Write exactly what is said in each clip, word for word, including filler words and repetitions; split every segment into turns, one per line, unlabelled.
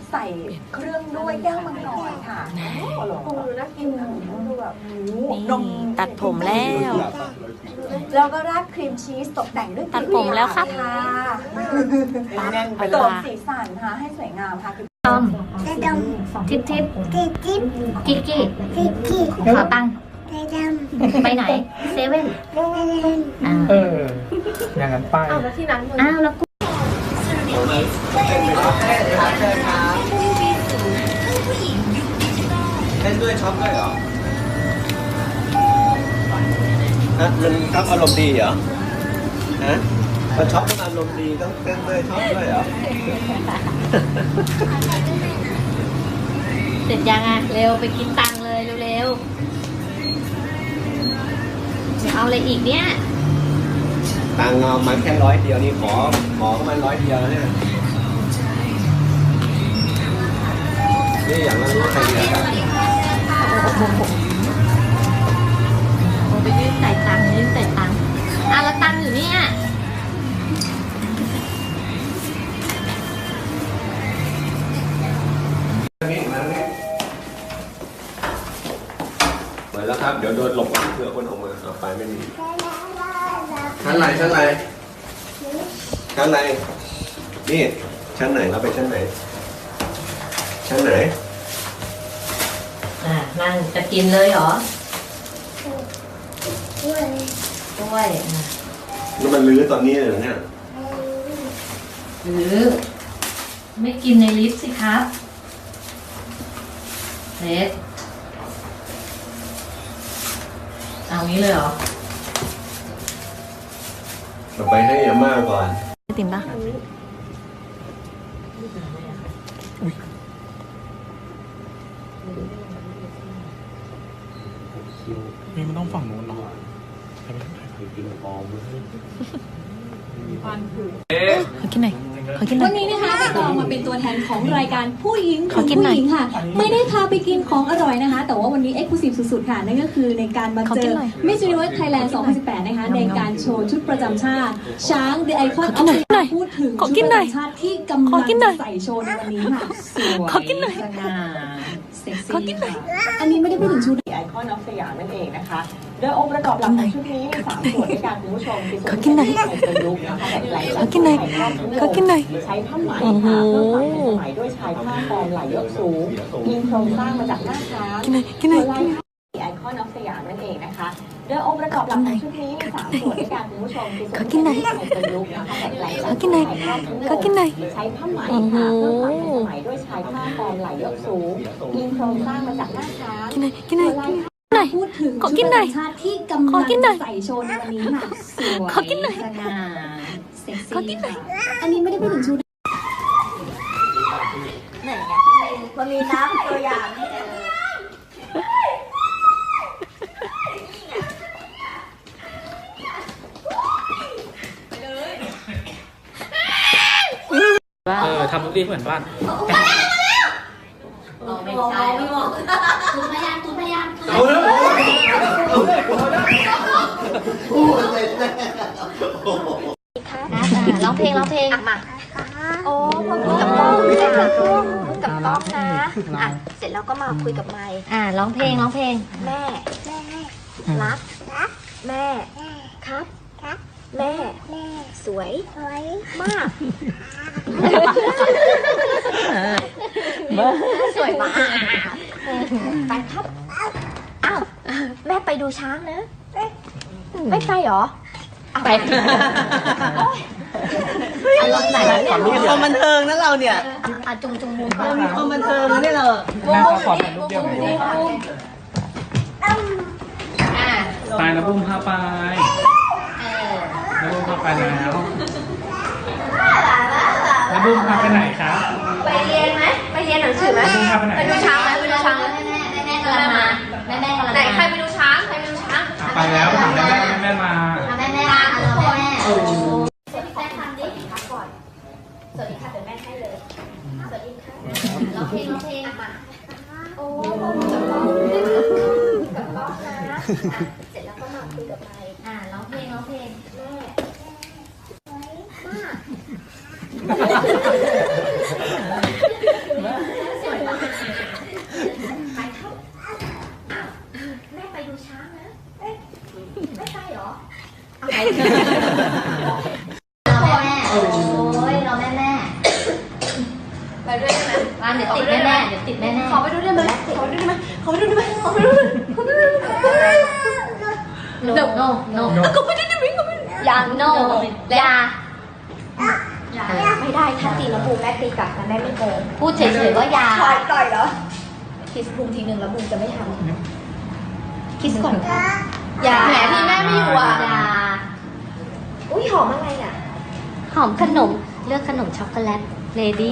ใส่เครื่องด้วยย่างมังกรค่ะปูน่ากินดูแบบนม
ตัดผมแล้ว
แล้วก็ราดครีมชีสตกแต่งด้วย
ตัดผมแล้วครับ
ตกสีสันค่ะให้สวยงามค่ะ
ดอมทิปทิปกิ๊กกิ๊กกิ๊กกิ๊กขอตังค์ไปไหนเซเว่น
เอออย่างนั้นไปอ้าว
แล้วที่นั้นอ้าวแล้วกู
เล่นด้วยช็อปด้วยเหรอฮะมันช็อปอารมณ์ดีเหรอฮะพอช็อปต้องอารมณ์ดีต้องเต้นด้วยช็อปด้วยเหรอ
เสร็จยังอ่ะเร็วไปกินตังค์เลยเร็วๆจะเอาอะไรอีกเนี่ย
ตังค์เอามาแค่ร้อยเดียวนี่ขอขอมาร้อยเดียวเนี่ยนี่อย่างนั้นรู้ใครเดียวกัน
โอ้ไปยื่นใส่ตังค์ยื่นใส่ตังค์อ่ะแล้วตังค์อยู่เนี่ย
นี่มาเนี่ยเปิดแล้วครับเดี๋ยวโดนหลบเผื่อคนออกมาเอาไปไม่มีชั้นไหนชั้นไหนชั้นไหนนี่ชั้นไหนเราไปชั้นไหนชั้นไหน
อ่ะนั่งจะกินเลยเหรอด้วยด้วย
แล้วมันลื้อตอนนี้เลยเนี่ย
หรือไม่กินในลิฟต์สิครับเล็กเอางี้เลยเหรอ
เราไปให้อาม่าก่อน
ติ่มปะ
นี่มันต้องฝั่งนู้นเนาะ
ขอกินหน่อยขอกินหน่อย
วันนี้นะคะใบตองมาเป็นตัวแทนของรายการผู้หญิงของผู้หญิงค่ะไม่ได้พาไปกินของอร่อยนะคะแต่ว่าวันนี้เอ็กซ์คลูซีฟสุดๆค่ะนั่นก็คือในการมาเจอ Miss Universe Thailand สองพันสิบแปดนะคะในการโชว์ชุดประจำชาติช้าง The Icon of Thailand พูดถึงชุดประจำชาติที่กำลังใส่โชว์ในวันนี้ค่ะสวยสง่าเซ็กซี่อันนี้ไม่ได้พูดถึงชุด
ไอคอนออฟสยามนั่นเองนะคะโดยองค์ประกอบหลักของชุดนี้มีสามส่วนด้วยกันคุณผู้ชมคือส่วนที่ใส่เป็นลุคนะคะแบบไหลขอกินหน่อยขอกินหน่อยใช้ผ้าไหมค่ะเพื่อความทันสมัยด้วยชายผ้าฟอร์มไหลยกสูงมีโครงสร้างมาจากหน้าช้างส่วนลายไอคอนออฟสยามนั่นเองนะคะโดยองค์ประกอบหลักของชุดนี้มีสามส่วนด้วยกันคุณผู้ชมคือส่วนที่ใส่เป็นลุคนะคะแบบไหลขอกินหน่อยขอกินหน่อยใช้ผ้าไหมค่ะเพื่อความทันสมัยด้วยชายผ้าฟอร์มไหลยกสูงมีโครงสร้างมาจากหน้าช้าง
กินหน่อยกินหน่อย
พูดถึงชุดประจำชาติที่กำลังใส่โชว์ในวันนี้ค่ะสวยสง่าเซ็กซี่อันนี้ไม่ได้พูดถึงชุด
ไหนไงมันมีน้ำตัวอย่างนี่เ
เออทำทุกทีเหมือนบ้าน
ไม่ใช่ไม่บอกคุณพยานคุณพยานร้องเพลงร้องเพลงมา
โอ้พอพูดกับกล้องพูดกับกล้องพูดกับกล้องนะอ่ะเสร็จแล้วก็มาคุยกับไมค์
อ่าร้องเพลงร้องเพลง
แม่แม่รักแม่ครับแม่สวยมากสวยมากไปครับอ้าวแม่ไปดูช้างนะไม่ไปหรอ
ไป
รถไหน
มีความบันเทิงนะเราเนี่ย
อ่ะจุงจุงมุม
เรามีความบันเทิงนะเนี่ยเรา
แม่ขอถ่ายรูปเดียวเลยไปนะบุ้มพาไปนะบุ้มพาไปแล้วนะบุ้มพาไปไหนครับ
ไปเรียนไหมไปเรียนหนังสือไหมไปดูช้างไหมไปดูช้างไหม
แม่แม่กำลังมาแม่แม่กำลัง
ไหนใครไปดูช้างใครไปดูช้าง
ไปแล้วถามแม่แม่แม่มา
แม่แม่มาแม่แม่
สวัสดีค่ะทำดิพักก่อนสวัสดีค่ะเดี๋ยวแม่ให้เลยสวัสดีค่ะ
ร้องเพลงร้องเพลงมา
โอ้กับน้องกับน้องนะเสร็จแล้วก็มาคุยกับไมค์
อ่าร้องเพลงร้องเพลง
แม่สวยมาก
โอ้ยรอแม่แม่ไปด้วยได้ไหมมาเดี๋ยวติดแม่แม่เดี๋ยวติดแม่แม่ขอไปด้วยได้ไหมขอไปด้วยได้ไหมขอไปด้วยได้ไหมขอไปด้วยขอไปด้วยโนโนโนก็ไม่ได้ได้ไหมก็ไม่ยาโนยาไม่ได้ถ้าตีแล้วบูมแม่ตีกลับนะแม่ไม่โกงพูดเฉยๆว่ายาต่อยต่อยเหรอคิสบูมทีนึงแล้วบูมจะไม่ทำคิสก่อนค่ะยาแหมที่แม่ไม่อยู่อ่ะยาอุ้ยหอมอะไรอ่ะหอมขนมเลือกขนมช็อกโกแลตเลดี้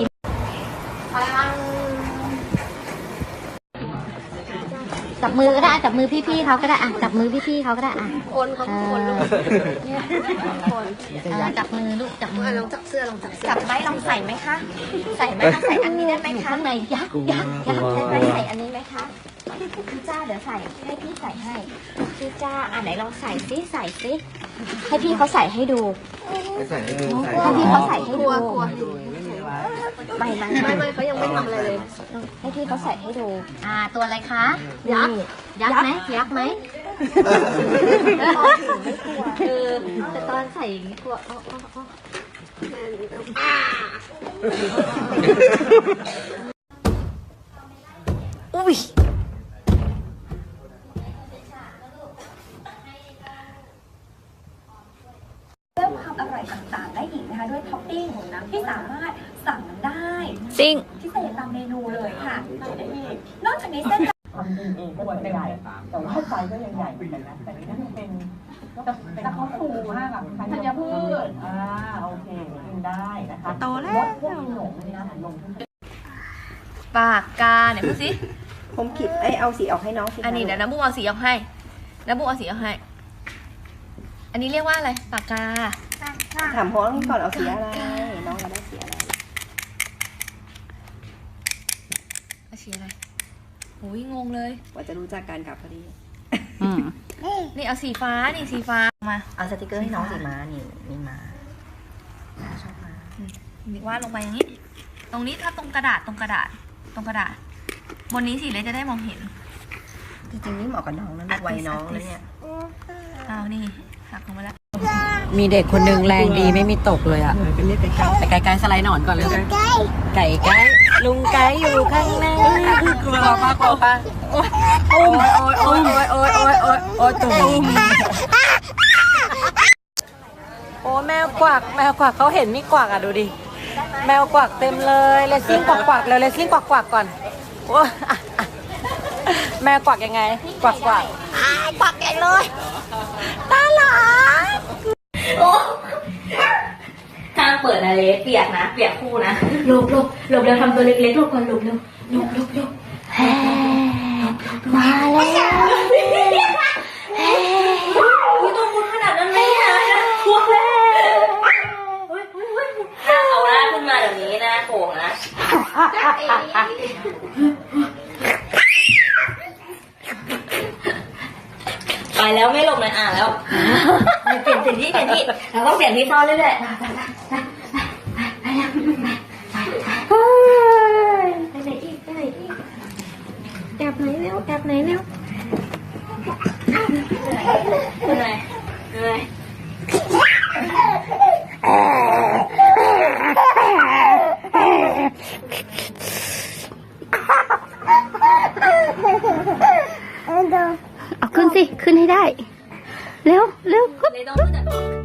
จับมือก็ได้จับมือพี่ๆเขาก็ได้อ่ะจับมือพี่ๆเขาก็ได้อ่ะคนเขาคนลูกคนจับมือลูกจับมือลองจับเสื้อลองจับเสื้อจับไหมลองใส่ไหมคะใส่ไหมคะใส่อันนี้ได้ไหมคะข้างในยักยักยักได้ไหมใส่อันนี้ไหมคะพี่จ้าเดี๋ยวใส่ให้พี่ใส่ให้พี่จ้าอ่ะไหนลองใส่ซิใส่ซิให้พี่เขาใส่ให้ดู
ไม่ใส่ให้ดูใส่
ให้พี่เขาใส่ให้ดูไม่ไม่ไม่ไม่เขายังไม่ทำอะไรเลยให้พี่เขาใส่ให้ดูอ่าตัวอะไรคะยักษ์ยักษ์ไหมยักษ์ไหมเออแต่ตอนใส่อย่างนี้กลัวอุ้ย
เพิ่มความอร่อยต่างๆได้อีกนะคะด้วยท็อปปิ้งของน้ำที่สามารถสั่งได้
ซิ่ง
พิเศษตามเมนูเลยค่ะได้อีกนอกจากนี้เส้นทำดีเองก็จะใหญ่แต่ว่าไฟก็ยังใหญ่เหมือนกันนะแต่นี่มันเป็นแต่เขาฟูมากอะธัญพืชอ่าโอเคกินได้นะคะโตแล้วลดพวกขนมนะลงทุน
ปากกาเนี่ยพูดสิ
ผมขีดไอยเอาสีออกให้น้องสิ
อันนี้เดี๋ยวน้ำบุ้งเอาสีออกให้น้ำบุ้งเอาสีออกให้อันนี้เรียกว่าอะไรปากกา
ถามพ่อก่อนเอาสีอะไร น้องจะได้สีอะไร
เอาสีอะไรโอ้ยงงเลย
กว่าจะรู้จักกันกับพอดี
นี่เอาสีฟ้านี่สีฟ้ามา
เอาสติกเกอร์ให้น้องสีม้านี่นี่ม้า
วาดลงไปอย่างนี้ ตรงนี้ถ้าตรงกระดาษตรงกระดาษตรงกระดาษบนนี้สิเลยจะได้มองเห็น
จริงๆนี่เหมาะกับน้องนะลูกวัยน้องเลยเนี่ย
เอานี่หักลงมาแล้ว
มีเด็กคนหนึ่งแรงดีไม่มีตกเลยอะแต่ไก่ไก่สไลด์หนอนก่อนเลยไก่ไก่ลุงไก่อยู่ข้างหน้ากลัวป้ากลัวป้าโอ้ยโอ้ยโอ้ยโอ้ยโอ้ยโอ้ยโอ้ยโอ้ยตุ่มโอ้แมวกวักแมวกวักเขาเห็นมีกวักอะดูดิแมวกวักเต็มเลยเลสซิ่งกวักกวักเลยเลสซิ่งกวักกวักก่อนโอ้แมวกวักยังไงกวักกวักกวักใหญ่เลยตาหลาน
ห้ามเปิดนะเลสเปียกนะเปียกคู่นะหลบหลบหลบเร็วทำตัวเล็กๆหลบก่อนหลบเร็วหลบหลบหลบแฮ่มาแล้วแฮ่ไม่ต้องพูดขนาดนั้นเลยอ่ะพวกแล้วถ้าเอาหน้าขึ้นมาแบบนี้นะโก่งนะไปแล้วไม่หลบเลยอ่ะแล้วเปลี่ยนเปลี่ยนที่เปลี่ยนที่เราต้องเปลี่ยนที่ซ่อนเรื่อยๆไปไปไปไปไหนอีกไปไหนอีกแอบไหนเร็วแอบไหนเร็วเหนื่อยเหนื่อยเอาขึ้นสิขึ้นให้ได้เร็วเร็วขึ้น